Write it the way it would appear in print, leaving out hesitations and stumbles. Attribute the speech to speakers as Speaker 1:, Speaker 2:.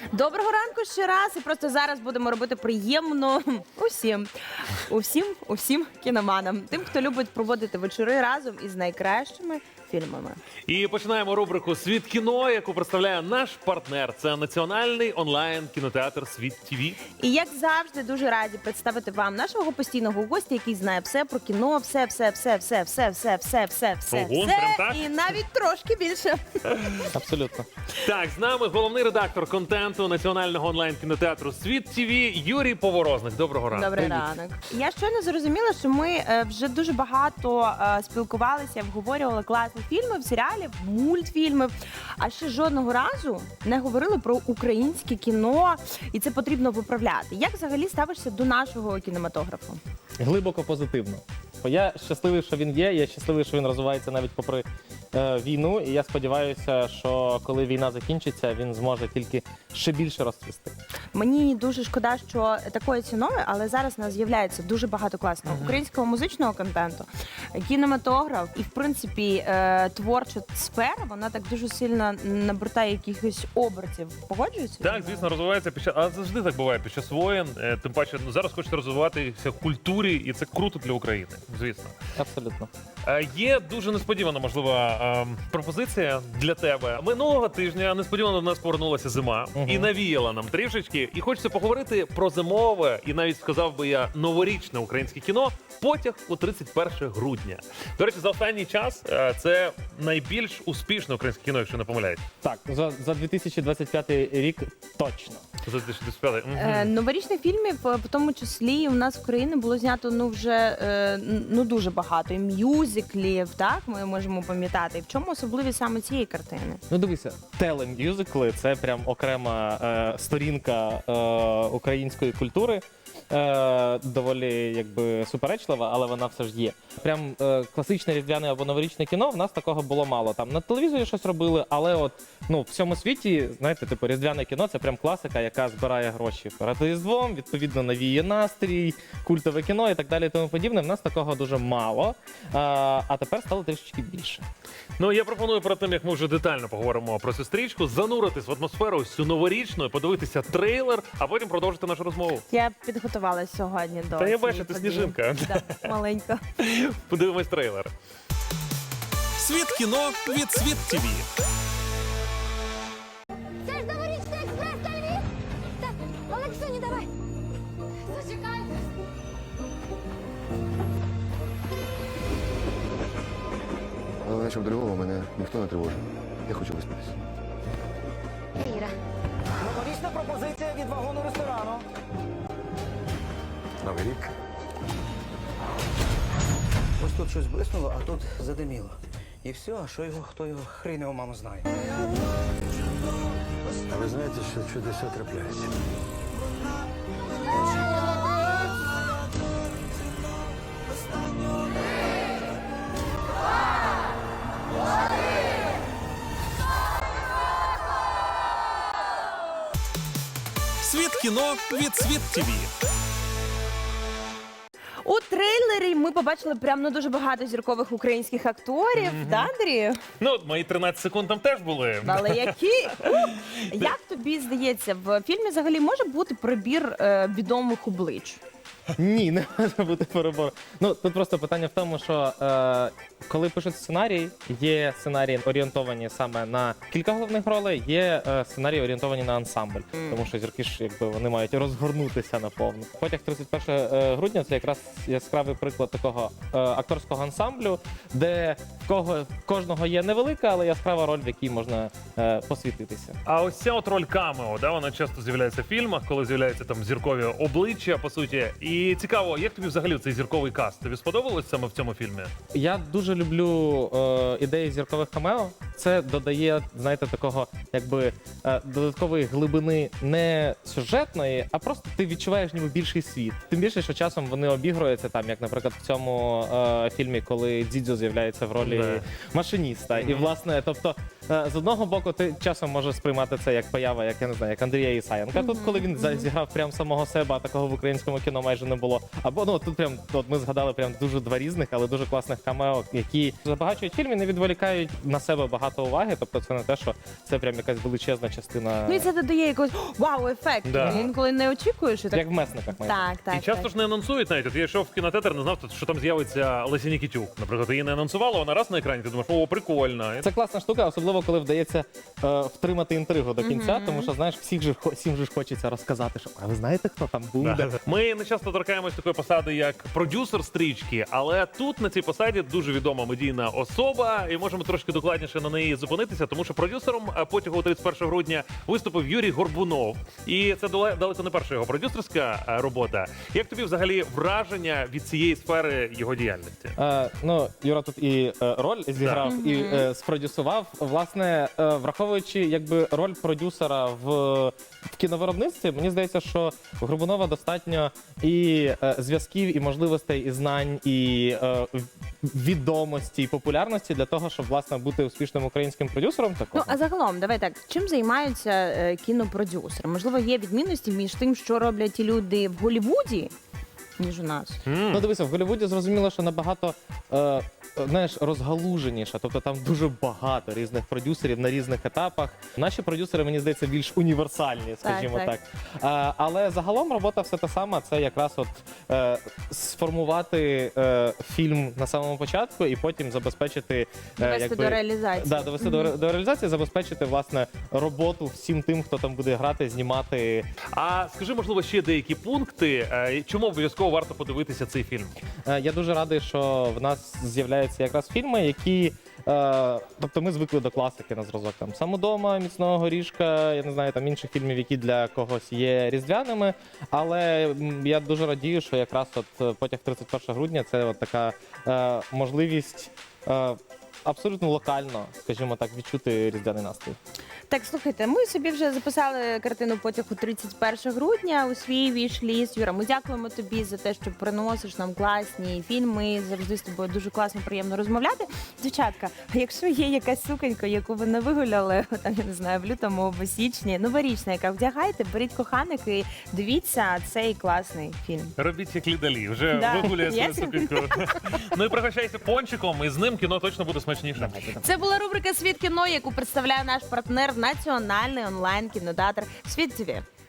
Speaker 1: Доброго ранку ще раз. І просто зараз будемо робити приємно усім кіноманам. Тим, хто любить проводити вечори разом із найкращими фільмами.
Speaker 2: І починаємо рубрику «Світ кіно», яку представляє наш партнер. Це національний онлайн-кінотеатр «Світ ТВ».
Speaker 1: І, як завжди, дуже раді представити вам нашого постійного гостя, який знає все про кіно, все.
Speaker 2: Ого, прям так?
Speaker 1: І навіть трошки більше.
Speaker 3: Абсолютно.
Speaker 2: Так, з нами головний редактор контенту національного онлайн-кінотеатру «Світ ТВ» Юрій Поворозник. Доброго ранку.
Speaker 1: Добрий ранок. Я щойно зрозуміла, що ми вже дуже багато спілкувалися, обговорювали класні фільми, серіалів, мультфільмів, а ще жодного разу не говорили про українське кіно, і це потрібно виправляти. Як взагалі ставишся до нашого кінематографу?
Speaker 3: Глибоко позитивно. Бо я щасливий, що він є, я щасливий, що він розвивається навіть попри війну, і я сподіваюся, що коли війна закінчиться, він зможе тільки ще більше розцвісти.
Speaker 1: Мені дуже шкода, що такою ціною, але зараз у нас з'являється дуже багато класного українського музичного контенту, кінематограф і, в принципі, творча сфера, вона так дуже сильно набертає якихось обертів. Погоджуєшся?
Speaker 2: Так, звісно, розвивається під час, а завжди так буває під час воєн. Тим паче, зараз хочуть розвиватися в культурі, і це круто для України, звісно.
Speaker 3: Абсолютно.
Speaker 2: Є дуже несподівана, можливо, пропозиція для тебе. Минулого тижня несподівано до нас повернулася зима і навіяла нам трішечки. І хочеться поговорити про зимове, і навіть сказав би я, новорічне українське кіно «Потяг у 31 грудня». До речі, за останній час це найбільш успішне українське кіно, якщо не помиляюсь.
Speaker 3: Так, за 2025 рік точно.
Speaker 2: За 2025.
Speaker 1: Новорічних фільмів, в тому числі, у нас в Україні було знято вже дуже багато. І мюзиклів, так, ми можемо пам'ятати. І в чому особливість саме цієї картини?
Speaker 3: Ну дивися, телемюзикли – це прям окрема сторінка української культури. Доволі якби суперечлива, але вона все ж є. Прям класичне різдвяне або новорічне кіно в нас такого було мало. Там на телевізорі щось робили, але от в всьому світі, знаєте, типу різдвяне кіно це прям класика, яка збирає гроші перед Різдвом, відповідно навіє настрій, культове кіно і так далі і тому подібне. В нас такого дуже мало, а тепер стало трішечки більше.
Speaker 2: Ну, я пропоную перед тим, як ми вже детально поговоримо про цю стрічку, зануритись в атмосферу ось цю новорічну, подивитися трейлер, а потім продовжити нашу розмову.
Speaker 1: Я підготувалася сьогодні до
Speaker 2: Та я
Speaker 1: цієї
Speaker 2: бачу, ти
Speaker 1: події.
Speaker 2: сніжинка.
Speaker 1: Да, маленька.
Speaker 2: Подивимось трейлер.
Speaker 4: Світ кіно від Світ ТВ.
Speaker 5: Це ж новорічний експрес на Львів! Так, Олексуні, давай! Зачекай!
Speaker 6: Головне, щоб до Львова мене ніхто не тривожив. Я хочу виспатися.
Speaker 5: Іра.
Speaker 7: Новорічна пропозиція від вагону ресторану.
Speaker 6: Новий рік.
Speaker 7: Ось тут щось блиснуло, а тут задиміло. І все, а що його, хто його хрін його маму знає.
Speaker 6: А ви знаєте, що чудеса трапляються?
Speaker 4: Світ кіно від Світ ТВ.
Speaker 1: У трейлері ми побачили прям дуже багато зіркових українських акторів. Да, Андрію?
Speaker 2: Ну, мої 13 секунд там теж були.
Speaker 1: Але які? Як тобі здається, в фільмі взагалі може бути прибір відомих облич?
Speaker 3: Ні, не може бути перебор. Ну, тут просто питання в тому, що коли пишуть сценарій, є сценарії орієнтовані саме на кілька головних ролей, є сценарії орієнтовані на ансамбль. Тому що зірки ж, якби, вони мають розгорнутися наповну. «Потяг 31 грудня» – це якраз яскравий приклад такого акторського ансамблю, де в кожного є невелика, але яскрава роль, в якій можна посвітитися.
Speaker 2: А ось ця от роль камео, да, вона часто з'являється в фільмах, коли з'являються там зіркові обличчя, по суті. І цікаво, як тобі взагалі цей зірковий каст? Тобі сподобалось саме в цьому фільмі?
Speaker 3: Я дуже люблю ідеї зіркових камео. Це додає, знаєте, такого якби додаткової глибини не сюжетної, а просто ти відчуваєш ніби більший світ. Тим більше, що часом вони обігруються там, як, наприклад, в цьому фільмі, коли Дзідзьо з'являється в ролі машиніста. І, власне, тобто, з одного боку, ти часом можеш сприймати це як поява, як я не знаю, як Андрія Ісаєнка. Тут, коли він зіграв прям самого себе, а такого в українському кіно майже не було. Або ну тут прям от ми згадали прям дуже два різних, але дуже класних камео, які забагачують фільм і не відволікають на себе багато уваги. Тобто це не те, що це прям якась величезна частина.
Speaker 1: Ну і це додає якогось вау-ефекту.
Speaker 2: Да.
Speaker 1: Інколи не очікуєш. І так,
Speaker 3: Як в месниках майже.
Speaker 1: так.
Speaker 2: І часто ж не анонсують навіть. От я йшов в кінотеатр, не знав, що там з'явиться Леся Нікітюк. Наприклад, її не анонсували, вона раз на екрані, ти думаєш, о, прикольно.
Speaker 3: Це класна штука, особливо коли вдається втримати інтригу до кінця, тому що знаєш, всім же ж хочеться розказати, що а ви знаєте, хто там буде?
Speaker 2: Да. Ми не часто торкаємось такої посади, як продюсер стрічки, але тут на цій посаді дуже відома медійна особа, і можемо трошки докладніше на неї зупинитися, тому що продюсером потягу 31 грудня виступив Юрій Горбунов. І це далеко не перша його продюсерська робота. Як тобі взагалі враження від цієї сфери його діяльності?
Speaker 3: Ну, Юра тут і роль зіграв, і спродюсував. Власне, враховуючи якби роль продюсера в кіновиробництві, мені здається, що в Горбунова достатньо і зв'язків, і можливостей, і знань, і відомості, і популярності для того, щоб власне бути успішним українським продюсером. Такого.
Speaker 1: Ну, а загалом, давай так, чим займаються кінопродюсери? Можливо, є відмінності між тим, що роблять ті люди в Голлівуді, ніж у нас?
Speaker 3: Ну, дивися, в Голлівуді зрозуміло, що набагато знаєш, розгалуженіше. Тобто там дуже багато різних продюсерів на різних етапах. Наші продюсери, мені здається, більш універсальні, скажімо
Speaker 1: Так,
Speaker 3: так.
Speaker 1: так.
Speaker 3: Але загалом робота все та сама. Це якраз от сформувати фільм на самому початку і потім забезпечити
Speaker 1: Довести до реалізації.
Speaker 3: Да, довести до реалізації, забезпечити власне роботу всім тим, хто там буде грати, знімати.
Speaker 2: А скажи, можливо, ще деякі пункти, чому обов'язково варто подивитися цей фільм?
Speaker 3: Я дуже радий, що в нас з'являються якраз фільми, які. Тобто ми звикли до класики на зразок там «Самодома», «Міцного горішка», я не знаю, там інших фільмів, які для когось є різдвяними. Але я дуже радію, що якраз от «Потяг 31 грудня» це от така можливість абсолютно локально, скажімо так, відчути різдвяний настрій.
Speaker 1: Так, слухайте, ми собі вже записали картину «Потягу 31 грудня» у свій віш-ліст. Юра, ми дякуємо тобі за те, що приносиш нам класні фільми. Завжди з тобою дуже класно, приємно розмовляти. Дівчатка, а якщо є якась суконька, яку ви не вигуляли, там, я не знаю, в лютому або січні, новорічна, яка вдягайте, беріть коханик і дивіться цей класний фільм.
Speaker 2: Робіть як Лідалі, вже
Speaker 1: Да.
Speaker 2: вигуляє свою
Speaker 1: Є?
Speaker 2: сукінку. Ну і пригощайся пончиком, і з ним кіно точно буде смачніше.
Speaker 1: Це була рубрика «Світ кіно», яку представляє наш партнер Національний онлайн-кінотеатр «Світ ТВ».